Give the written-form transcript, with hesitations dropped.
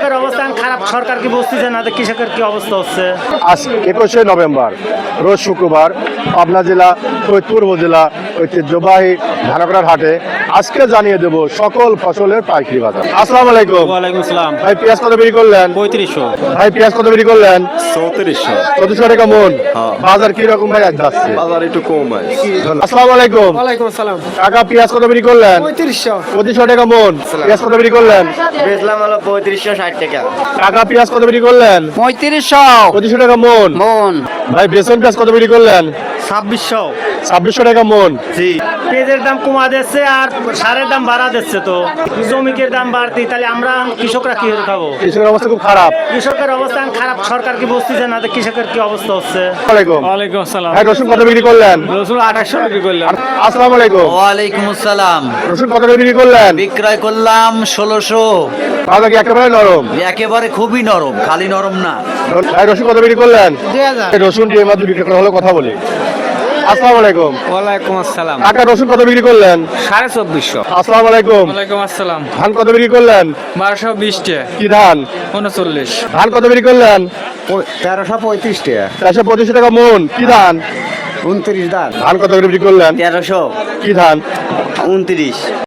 কৃষকের অবস্থান খারাপ, সরকার কি বুঝতেছে না যে কৃষকের কি অবস্থা হচ্ছে? আজ 21শে নভেম্বর রোজ শুক্রবার পাবনা জেলা ফরিদপুর উপজেলা ঐতিহ্যবাহী ধানকড়ার হাটে আজকে জানিয়ে দেব সকল ফসলের পাইকারি বাজার। আসসালামু আলাইকুম। ওয়ালাইকুম আসসালাম। ভাই পেঁয়াজ কত বিক্রি করলেন? 3500। ভাই পেঁয়াজ কত বিক্রি করলেন? 3400। 3400 টাকা মন। হ্যাঁ। বাজার কি রকম ভাই আজ যাচ্ছে? বাজার একটু কম আছে। আসসালামু আলাইকুম। ওয়ালাইকুম আসসালাম। টাকা পেঁয়াজ কত বিক্রি করলেন? 3500। 2500 টাকা মন। পেঁয়াজ কত বিক্রি করলেন? বেচলাম হলো 3560 টাকা। টাকা পেঁয়াজ কত বিক্রি করলেন? 3500 2500 টাকা মন। মন। ভাই বেসন পেঁয়াজ কত বিক্রি করলেন? 2600। 2600 টাকা মন। জি। পেঁয়াজের দাম কমা দিচ্ছে আর সারের দাম বাড়া দিচ্ছে, তো জমিকের দাম বাড়তি, তাহলে আমরা কৃষকরা কি করে খাবো? কৃষকের অবস্থা খুব খারাপ। কৃষকের অবস্থান খারাপ, সরকার কি বুঝতেছে না যে কৃষকের কি অবস্থা হচ্ছে? ওয়ালাইকুম। ওয়ালাইকুম আসসালাম। ভাই রসুন কত বিক্রি করলেন? রসুন 2800 বিক্রি করলাম। আসসালামু আলাইকুম। ওয়ালাইকুম আসসালাম। রসুন কত করে বিক্রি করলেন? বিক্রয় করলাম 1600। বাজার কি একেবারে নরম? একেবারে খুবই নরম, খালি নরম না। ভাই রসুন কত বিক্রি করলেন? 2000। এই রসুন দিয়ে মাত্র বিক্রি করা হলো, কথা বলি। আসসালামু আলাইকুম। ওয়ালাইকুম আসসালাম। টাকা রসুন কত বিক্রি করলেন? 2450। আসসালামু আলাইকুম। ওয়ালাইকুম আসসালাম। ধান কত বিক্রি করলেন? 1220 টাকা। কি ধান? 39। ধান কত বিক্রি করলেন? 1335 টাকা। 425 টাকা মন। কি ধান? 29 দাঁত। ধান কত করে বিক্রি করলেন? 1300। কি ধান? 29।